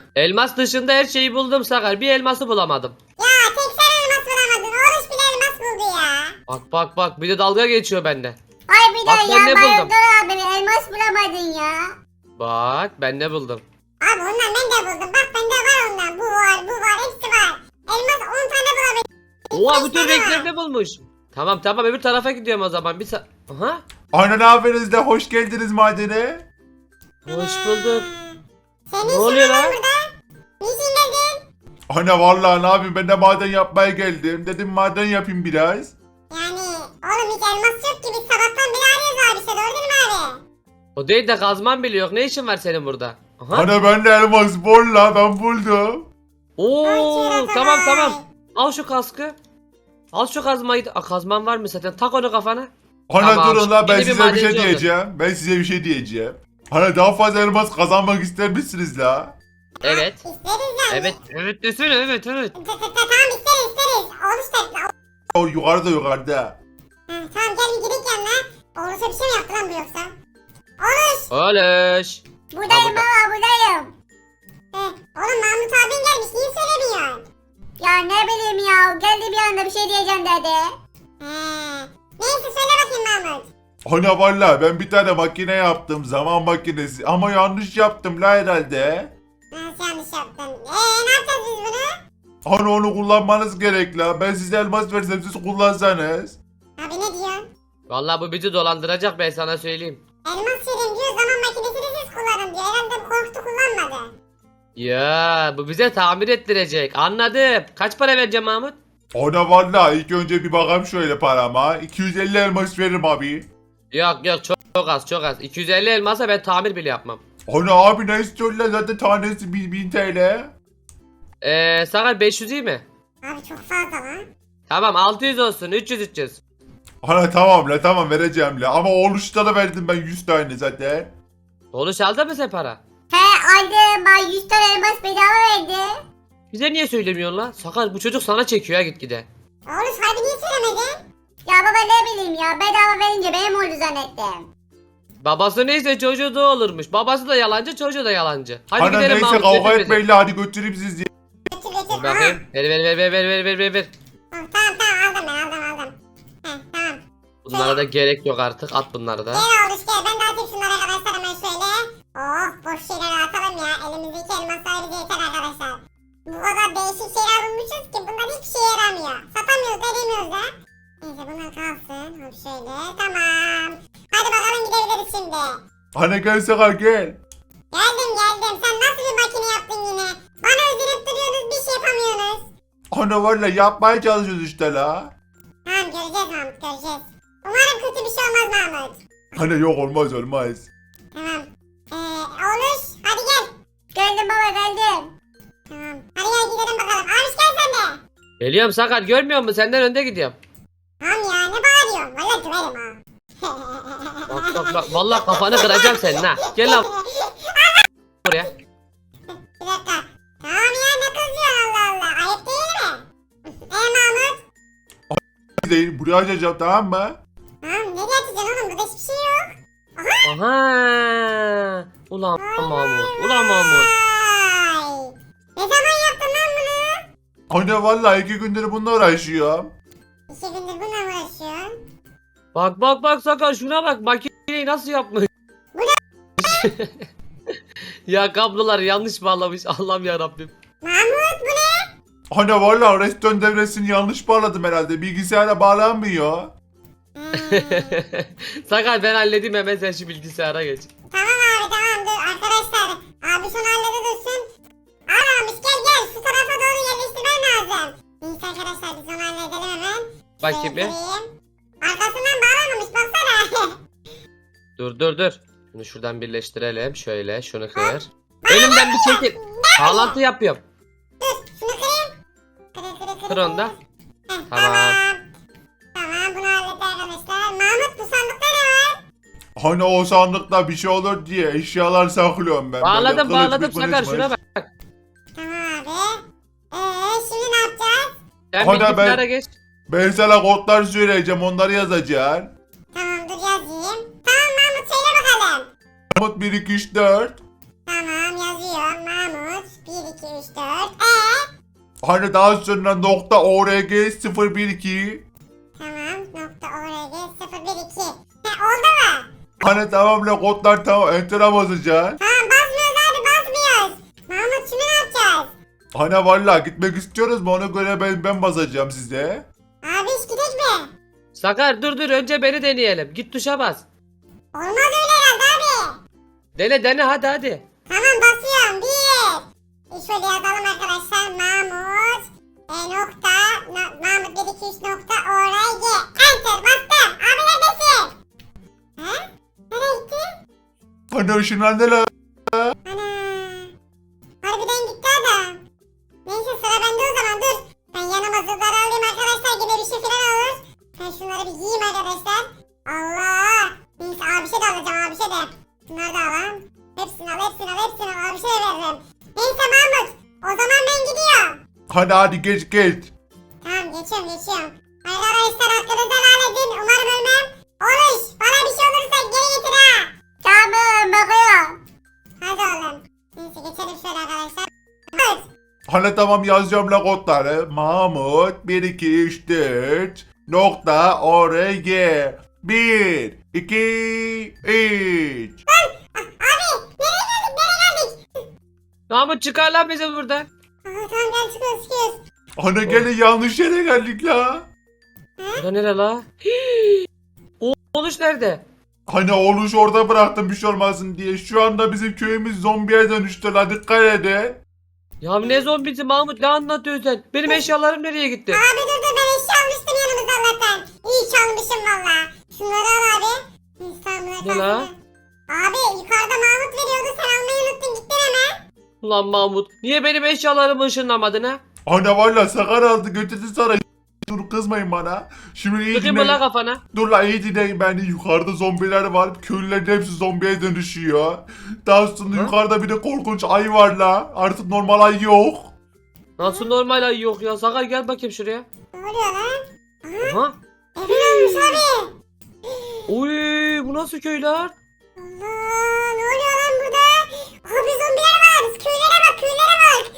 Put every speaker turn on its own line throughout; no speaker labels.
Elmas dışında her şeyi buldum Sakar. Bir elması bulamadım.
Ya tek sen elmas bulamadın. Oruç bile elmas buldu ya.
Bak bak bak bir de dalga geçiyor bende.
Ay bir
Bak
de
ben
ya
ne buldum?
Bayıldır abi elmas bulamadın ya.
Bak ben ne buldum.
Abi ondan ben de buldum. Bak bende var ondan. Bu var, bu var, hepsi var. Elmas 10 tane bulabildim.
Oha
Beş
bütün
tane var.
renklerini bulmuş. Tamam tamam öbür tarafa gidiyorum o zaman. Aha.
Ana ne yapıyorsunuz da hoş geldiniz madene.
Hoş bulduk.
Senin
Ne
işin
oluyor
ne
lan?
lan burada? Niçin geldin?
Ana vallahi ne yapayım ben de maden yapmaya geldim. Dedim maden yapayım biraz.
Yani oğlum hiç elmas yok ki. Biz sabahtan beri arıyoruz abi işte. Gördün mü abi?
O değil de kazman bile yok. Ne işin var senin burada? Aha.
Ana ben de elmas bol la ben buldum.
Oo
Ay,
tamam
Çiğdem.
tamam. Al şu kaskı. Al şu kazmayı. Kazman var mı zaten? Tak onu kafana.
Ana
Tamam,
durun la ben
yeni bir
size bir şey
madenci oldun.
diyeceğim. Ben size bir şey diyeceğim. Ana daha fazla elmas kazanmak ister misiniz la?
Evet.
İsteriz yani.
Evet. Evet desene evet evet.
Tamam isteriz. Oruç da.
O yukarıda yukarıda.
Ha, tamam gel bir gidelim yanına. Oruç'a bir şey mi yaptı lan bu yoksa? Oruç.
Oluş.
Buradayım
burada.
baba buradayım.
Oğlum Mahmut abin gelmiş. Niye söylemiyorsun?
Ya ne bileyim ya geldi bir anda bir şey diyeceğim dedi.
He. Neyse söyle bakayım Mahmut.
Ana vallahi ben bir tane makine yaptım zaman makinesi ama yanlış yaptım la herhalde.
Nasıl yanlış yaptın? Ne yapacağız biz bunu?
Ana onu kullanmanız gerek la. Ben size elmas versem siz kullansanız.
Abi ne diyorsun?
Vallahi bu bizi dolandıracak ben sana söyleyeyim.
Elmas vereyim diyor zaman makinesini siz kullanın diyor. Herhalde korktu kullanmadı.
Ya bu bize tamir ettirecek. Anladım. Kaç para vereceğim Mahmut?
Ana vallahi ilk önce bir bakayım şöyle parama. 250 elmas veririm abi.
Yok yok çok az çok az. 250 elmasa ben tamir bile yapmam.
Ana abi ne istiyorsun lan zaten tanesi 1000 TL.
Sakar 500 iyi mi?
Abi çok fazla lan.
Tamam 600 olsun 300.
Ana tamam la tamam vereceğim la ama oluşta da verdim ben 100 tane zaten.
Oluş aldı mı sen para?
He aldım bana 100 tane elmas bedava verdi.
Bize niye söylemiyorsun lan? Sakar bu çocuk sana çekiyor ya gitgide.
Oruç harbi niye söylemedin?
Ya baba ne bileyim ya bedava verince benim oldu zannettim.
Babası neyse çocuğu da olurmuş. Babası da yalancı çocuğu da yalancı. Hadi
Ana
gidelim
neyse
Mahmut.
kavga
götür bizi.
etmeyin la hadi götüreyim sizi.
Götür.
Dur bakayım. Ver.
Tamam aldım. Tamam.
Bunlara da gerek yok artık. At bunları da.
Gel Oruç gel. Ben de atayım şunları arkadaşlar hemen şöyle. Oh boş şeyleri atalım ya. Elimizdeki elmaslar bize yeter arkadaşlar. Bu kadar değişik şeyler bulmuşuz ki bunlar hiçbir şeye yaramıyor. Satamıyoruz edemiyoruz da. Neyse bunlar kalsın. Hop şöyle. Tamam. Hadi bakalım gidebiliriz şimdi.
Ana gel Sakar gel.
Geldim. Sen nasıl bir makine yaptın yine? Bana öldürüp duruyorsunuz bir şey yapamıyorsunuz.
Ana vallahi yapmaya çalışıyoruz işte la.
Tamam göreceğiz Mahmut göreceğiz. Umarım kötü bir şey olmaz Mahmut.
Ana yok olmaz.
Tamam. Oğluş hadi gel.
Geldim baba geldim.
Tamam. Hadi gel gidelim bakalım. Abiş gel sen de.
Geliyorum Sakar görmüyor musun? Senden önde gidiyorum.
Tamam ya ne bağırıyorsun? Valla döverim ha.
Bak. Vallahi kafanı kıracağım senin ha. Gel lan buraya.
Bir dakika. Tamam ya ne kızıyorsun Allah Allah. Ayıp değil mi? Mahmut.
Değil buraya açacağım tamam mı?
Tamam nereye atacaksın oğlum? Burada hiçbir şey yok.
Aha. Ulan Mahmut.
Vay. Ne zaman yaptın lan bunu?
Ana vallahi 2 gündür bununla uğraşıyorum.
2 gündür bununla mı uğraşıyorsun?
Bak Sakar şuna bak. Makineyi nasıl yapmış? Ya kablolar yanlış bağlamış. Allah'ım ya Rabbim.
Mahmut bu ne?
Ana vallahi restoran devresini yanlış bağladım herhalde. Bilgisayara bağlanmıyor.
Sakar ben halledeyim hemen sen şu bilgisayara geç.
Tamam abi tamam dur arkadaşlar. Abi şunu hallede dursun. Aramış gel şu tarafa doğru yerleştirmen lazım. Neyse arkadaşlar biz onu halledelim hemen.
Bakayım bir.
Sevdireyim. Arkasından bağlamamış baksana.
Dur. Bunu şuradan birleştirelim. Şöyle şunu kır. Elimden bir çekil. Bağlantı yapıyorum.
Dur şunu kırayım. Kır.
Kır onu da.
Heh,
Tamam.
Tamam bunu halletti arkadaşlar. Mahmut bu sandıkta ne var?
Hani o sandıkta bir şey olur diye eşyalar saklıyorum ben.
Bağladım
Böyle kılıç
Sakar
mılıç.
şuna bak.
Tamam abi. Şimdi ne yapacağız?
Sen
Hadi
bilgisayara
ben-
geç.
Ben sana kodlar söyleyeceğim onları yazacaksın.
Tamam dur yazayım. Tamam Mahmut söyle bakalım.
Mahmut 1 2 3 4.
Tamam yazıyorum. Mahmut 1 2, 3, 4.
Hani daha sonra nokta org 012.
Tamam. Nokta org 012. Oldu mu?
Hani tamam la kodlar tamam enter'a basacaksın.
Tamam basmıyoruz abi basmıyoruz. Mahmut şimdi ne yapacağız?
Hani valla gitmek istiyoruz mu ona göre ben basacağım size.
Abi iş gidecek mi?
Sakar dur önce beni deneyelim. Git tuşa bas.
Olmaz öyle herhalde abi.
Dene hadi.
Tamam basıyorum. 1. Şöyle yazalım arkadaşlar. Mahmut. Nokta. Mahmut 1, 2, 3 nokta org. Enter bastım. Abi neredesin? He? Nereye gitti?
Hani ışınlandı la.
Ana. Harbiden gitti adam. Neyse sıra bende o zaman dur. Ben yanıma zırhları alayım arkadaşlar. Yine bir şey falan olur. Ben şunları bir yiyeyim arkadaşlar. Allah. Neyse abi şey de alacağım abi şey de. Bunları da alalım. Hepsini al. Abi şey de veririm. Neyse Mahmut. O zaman ben gidiyorum.
Hadi geç.
Tamam geçiyorum. Arkadaşlar hakkınızı helal edin. Umarım ölmem. Oluş. Bana bir şey olursa geri getir ha.
Tamam bakıyorum.
Hadi oğlum. Neyse geçelim şöyle arkadaşlar. Evet.
Hani tamam yazacağım la kodları. Mahmut 1 2 3 4 nokta org 1 2 3.
Abi nereye geldik?
Mahmut çıkar lan bizi buradan.
Tamam gel çıkıyoruz.
Hani gene yanlış yere geldik la.
Bura nere la? Oluş nerede?
Hani oluş orada bıraktım bir şey olmasın diye. Şu anda bizim köyümüz zombiye dönüştü la dikkat edin.
Ya ne zombisi Mahmut ne anlatıyorsun sen? Benim eşyalarım nereye gitti?
Abi dur ben eşya almıştım yanımıza Allah'tan. İyi çalmışım valla. Şunları al abi. Neyse tamam
Ne la?
Abi yukarıda Mahmut veriyordu sen almayı unuttun gittin hemen.
Ulan Mahmut niye benim eşyalarımı ışınlamadın ha?
Hani valla sakar aldı götürdü sana. Dur kızmayın bana. Şimdi iyi
Sıkayım mı la
dinleyin.
kafana?
Dur la iyi dinleyin beni. Yukarıda zombiler var. Köylülerin hepsi zombiye dönüşüyor. Daha sonra
Ha?
yukarıda bir de korkunç ayı var la. Artık normal ayı yok.
Nasıl normal ay yok ya? Sakar gel bakayım şuraya.
Ne oluyor lan?
Aha.
Evin olmuş abi.
Oy bu nasıl köyler?
Allah ne oluyor lan burada? Abi zombiler var. Köylere bak.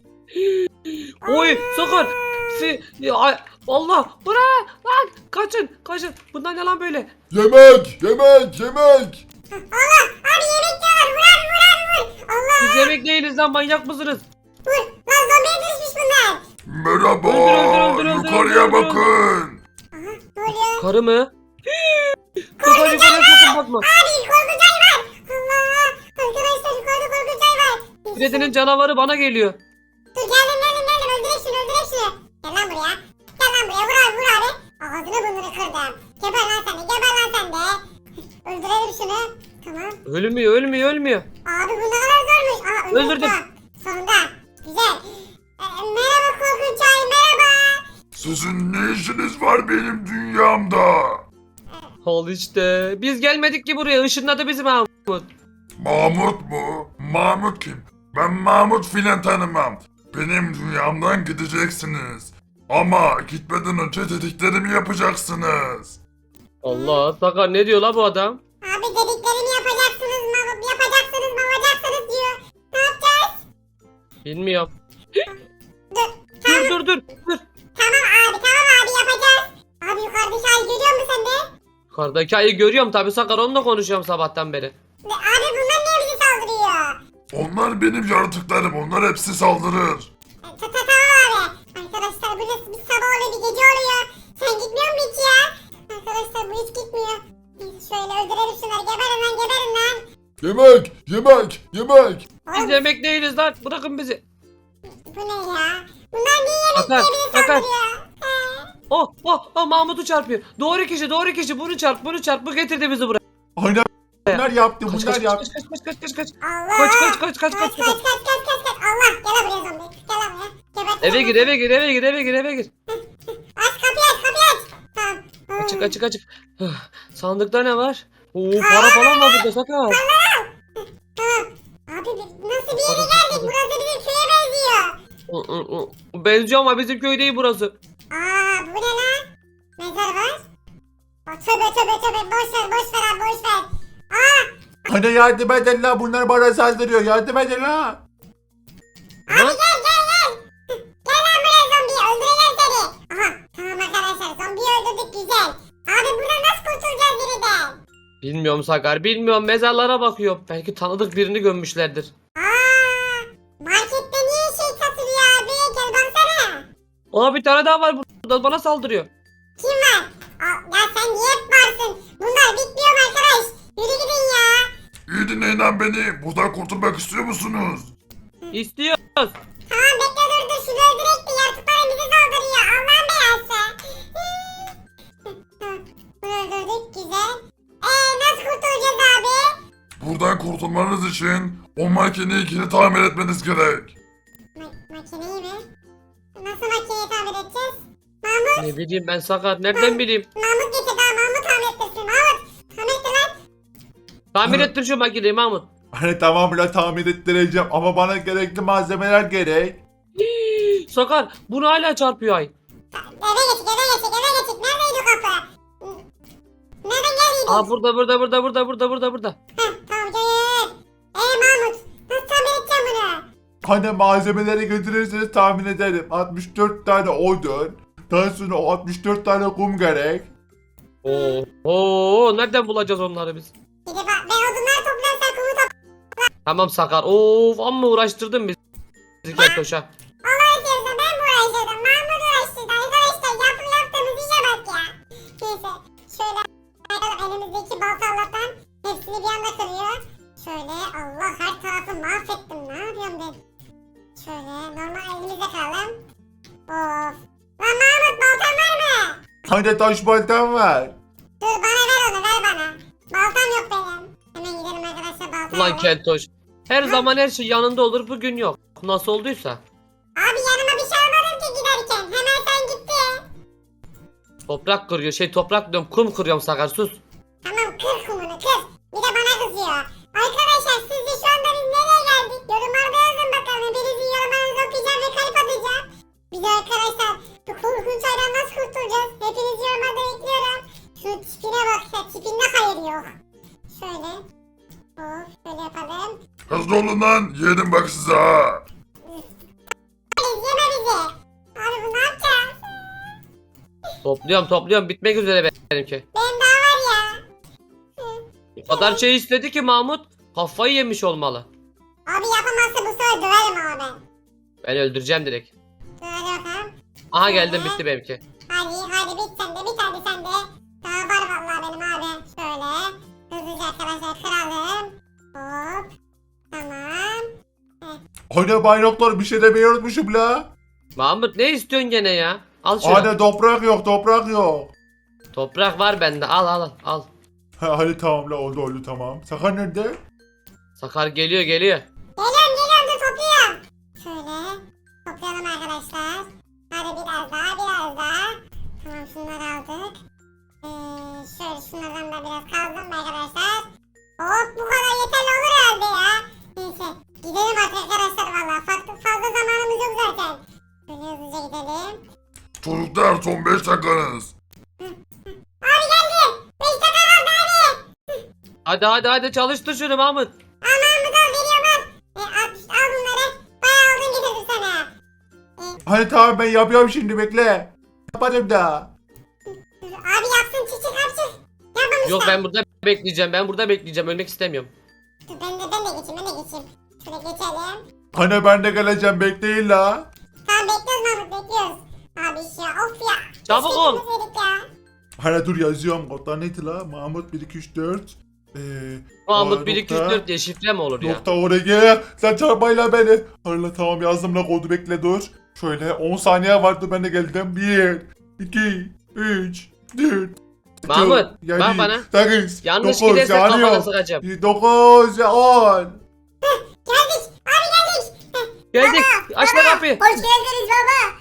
Oy Sakar. Allah bırak lan kaçın. Bundan ne lan böyle?
Yemek.
Allah abi yemek yiyorlar. Vur. Allah
Biz yemek değiliz lan manyak mısınız?
vur. Lan zombiye dönüşmüş bunlar.
Merhaba.
Öldür,
Yukarıya
öldür.
bakın.
Aha ne oluyor?
Karı mı? Sakar yukarıya sakın bakma.
Abi korkunç ay var. Allah. Arkadaşlar yukarıda korkunç ay var.
Freddy'nin canavarı bana geliyor.
Dur geldim. Öldürek şunu. Gel lan buraya. Vur abi. Ağzını burnunu kırdım. Geber lan sen de. Öldürelim şunu. Tamam.
Ölmüyor.
Abi bu ne kadar zormuş. Aa öldürdüm.
Öldürdüm.
Tamam. Sonunda. Güzel. Merhaba korkunç ay merhaba.
Sizin ne işiniz var benim dünyamda?
Al işte. Biz gelmedik ki buraya. Işınladı bizi Mahmut.
Mahmut mu? Mahmut kim? Ben Mahmut filan tanımam. Benim dünyamdan gideceksiniz. Ama gitmeden önce dediklerimi yapacaksınız.
Allah Sakar ne diyor la bu adam?
Abi dediklerimi yapacaksınız diyor. Ne yapacağız?
Bilmiyorum.
Dur.
Dur.
Tamam abi yapacağız. Abi yukarıdaki ay görüyor musun sen de?
Yukarıdaki ayı görüyorum tabi Sakar onunla konuşuyorum sabahtan beri.
Abi bunlar niye bizi saldırıyor?
Onlar benim yaratıklarım. Onlar hepsi saldırır.
Tamam abi. Arkadaşlar burası bir sabah oluyor bir gece oluyor. Sen gitmiyor musun hiç ya? Arkadaşlar bu hiç gitmiyor. Neyse şöyle öldürelim şunları. Geberin lan.
Yemek.
Biz yemek değiliz lan bırakın bizi.
Bu ne ya? Bunlar niye yemek
Sakar,
diye bizi
Sakar.
saldırıyor?
Oh Mahmut'u çarpıyor. Doğru kişi bunu çarp bu getirdi bizi buraya.
Aynen. Bunlar yaptı.
Kaç.
Allah.
Kaç.
Kaç. Allah gel lan buraya zombi. Gel lan buraya. Gebertin
Eve
lan.
gir eve gir.
Aç kapıyı aç. Tamam.
Açık. Sandıkta ne var? Oo para falan var burada Sakar.
Tamam. Abi nasıl bir yere geldik? Burası bizim köye benziyor.
Benziyor ama bizim köy değil burası.
Aa bu ne lan? Mezar var. Tövbe. Boş ver.
Hani yardım edin la. Bunlar bana saldırıyor. Yardım edin la.
Abi gel gel gel. Gel lan buraya zombi. Öldüreceğim seni. Aha tamam arkadaşlar. Zombiyi öldürdük güzel. Abi buradan nasıl kurtulacağız yeniden?
Bilmiyorum Sakar, bilmiyorum. Mezarlara bakıyorum. Belki tanıdık birini gömmüşlerdir.
Markette niye şey satılıyor abi? Gel baksana.
Aa, bir tane daha var burada, bana saldırıyor.
Kim var? Ya sen niye hep varsın? Bunlar bitmiyor mu arkadaş? Yürü gidin ya.
İyi dinleyin lan beni. Buradan kurtulmak istiyor musunuz?
İstiyoruz.
Tamam bekle dur şunu öldürek de yaratıklar bizi saldırıyor. Allah'ın belası. Bunu öldürdük güzel. Nasıl kurtulacağız abi?
Buradan kurtulmanız için o makineyi geri tamir etmeniz gerek.
Makineyi mi? Nasıl makineyi tamir edeceğiz? Mahmut.
Ne bileyim ben Sakar, nereden bileyim?
Mahmut getir daha Mahmut tamir ettirsin. Mahmut tamir ettir lan.
Tamir ettir şu makineyi Mahmut.
Hani tamam la tamir ettireceğim ama bana gerekli malzemeler gerek.
Sakar, bunu hala çarpıyor ay.
Eve geçik. Neredeydi o kapı? Nereden geldiydin?
Aa, burada.
Tamam gel. Mahmut nasıl tamir edeceğim bunu?
Hani malzemeleri götürürseniz tahmin ederim. 64 tane odun. Daha sonra o 64 tane kum gerek.
Oo, nereden bulacağız onları biz?
Gidip ben odunları topluyorum sen kumu topla.
Tamam Sakar. Of, amma uğraştırdın bizi Keltoş'a.
Allah istiyorsa ben mi uğraştırdım? Mahmut uğraştırdı arkadaşlar. Yaptığımız işe bak ya. Neyse şöyle elimizdeki balta Allah'tan hepsini bir anda kırıyor. Şöyle Allah her tarafı mahvettim. Ne yapıyorum ben? Şöyle normal elimizde kalalım. Of. Lan Mahmut baltan var mı?
Hani taş baltam var.
Dur bana ver onu ver bana. Baltam yok benim. Hemen gidelim arkadaşlar baltam.
Ulan Keltoş. Her zaman her şey yanında olur, bugün yok. Nasıl olduysa.
Abi yanıma bir şey almadım ki giderken. Hemen sen gittin.
Toprak kırıyor, toprak diyorum, kum kırıyorum Sakar, sus.
Tamam kır kumunu kır. Bir de bana kızıyor. Arkadaşlar sizce şu anda biz nereye geldik? Yorumlarda yazın bakalım. Hepinizin yorumlarınızı okuyacağım ve kalp atacağım. Bir de arkadaşlar bu korkunç aydan nasıl kurtulacağız? Hepinizi yorumlarda bekliyorum. Şu tipine bak ya tipinde hayır yok. Şöyle. Şöyle yapalım.
Hızlı olun lan. Yedim bak size ha.
Yeme bizi. Abi bu ne yapacağız?
Topluyorum, bitmek üzere benimki.
Benim daha var ya.
O kadar şey istedi ki Mahmut, kafayı yemiş olmalı.
Abi yapamazsa bu sefer döverim ama ben.
Ben öldüreceğim direkt.
Dur hadi bakalım.
Aha, geldim, bitti benimki.
Hadi bit sen de bit hadi sen de. Daha var vallahi benim abi. Şöyle. Hızlıca arkadaşlar kıralım. Hop. Tamam.
Hani bayraklar bir şey demeyi unutmuşum la.
Mahmut, ne istiyorsun gene ya? Al şunu.
Hani toprak yok.
Toprak var bende, al.
Ha, hadi tamam la oldu tamam. Sakar nerede?
Sakar geliyor.
Geliyorum dur topluyorum. Şöyle. Toplayalım arkadaşlar. Hadi biraz daha. Tamam şunları aldık. Şöyle şunlardan da biraz kazdım arkadaşlar. Hop bu kadar yeterli olur herhalde ya. Neyse gidelim artık arkadaşlar valla. Fazla zamanımız yok zaten. Şöyle hızlıca gidelim.
Çocuklar son 5 dakikanız.
Abi geldi. 5 dakika kaldı abi.
Hadi çalıştır şunu Mahmut.
Aman bu da veriyorum lan. Al bunları. Bayağı aldın getirdim sana.
Hani tamam ben yapıyorum şimdi bekle. Yapmadım da.
Abi yapsın çiçek hapçı. Yapmamışlar.
Yok, ben burada bekleyeceğim, ölmek istemiyorum.
Dur ben de geçeyim. Şöyle geçelim.
Hani ben de geleceğim bekleyin la.
Tamam bekliyoruz Mahmut bekliyoruz. Abi ya of ya.
Çabuk
Keşke
ol.
gitmeseydik ya.
Hani dur yazıyorum kodlar neydi la? Mahmut 1 2 3 4.
Mahmut 1 2 3 4 diye şifre mi olur ya?
Nokta oraya sen çarpmayla beni. Hala tamam yazdım la kodu bekle dur. Şöyle 10 saniye vardı ben de geldim. 1 2 3 4.
Mahmut, bak bana.
8
Yanlış giderse kafana sıkacağım.
9 10.
Geldik. Abi geldik.
Geldik. Aç lan kapıyı.
Hoş geldiniz baba.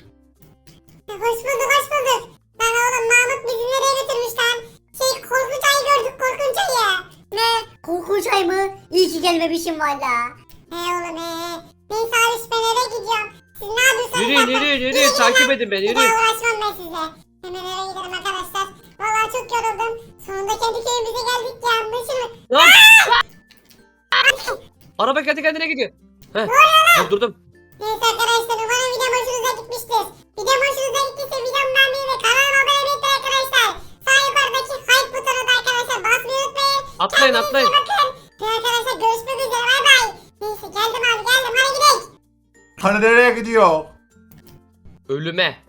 Hoş bulduk. Lan oğlum Mahmut bizi nereye götürmüş lan? Korkunç ayı gördük korkunç ayı.
Ne? Korkunç ay mı? İyi ki gelmemişim valla.
Oğlum Neyse abi ben eve gidiyorum. Siz ne yapıyorsunuz?
Yürü, takip edin beni,
Bir
yürü.
daha uğraşmam ben sizle. Hemen eve gidelim arkadaşlar. Vallahi çok yoruldum. Sonunda kendi köyümüze geldik ya. Anlaşılır.
Lan! Araba kendi kendine gidiyor. Heh, durdurdum.
Neyse arkadaşlar umarım videom hoşunuza gitmiştir. Videom hoşunuza gittiyse videomu beğenmeyi ve kanalıma abone olmayı unutmayın arkadaşlar. Sağ yukarıdaki hype butonuna da arkadaşlar basmayı unutmayın.
Atlayın atlayın.
Kendinize bakın. Ve arkadaşlar görüşmek üzere bay bay. Neyse geldim abi geldim hadi gidelim.
Hani nereye gidiyor?
Ölüme.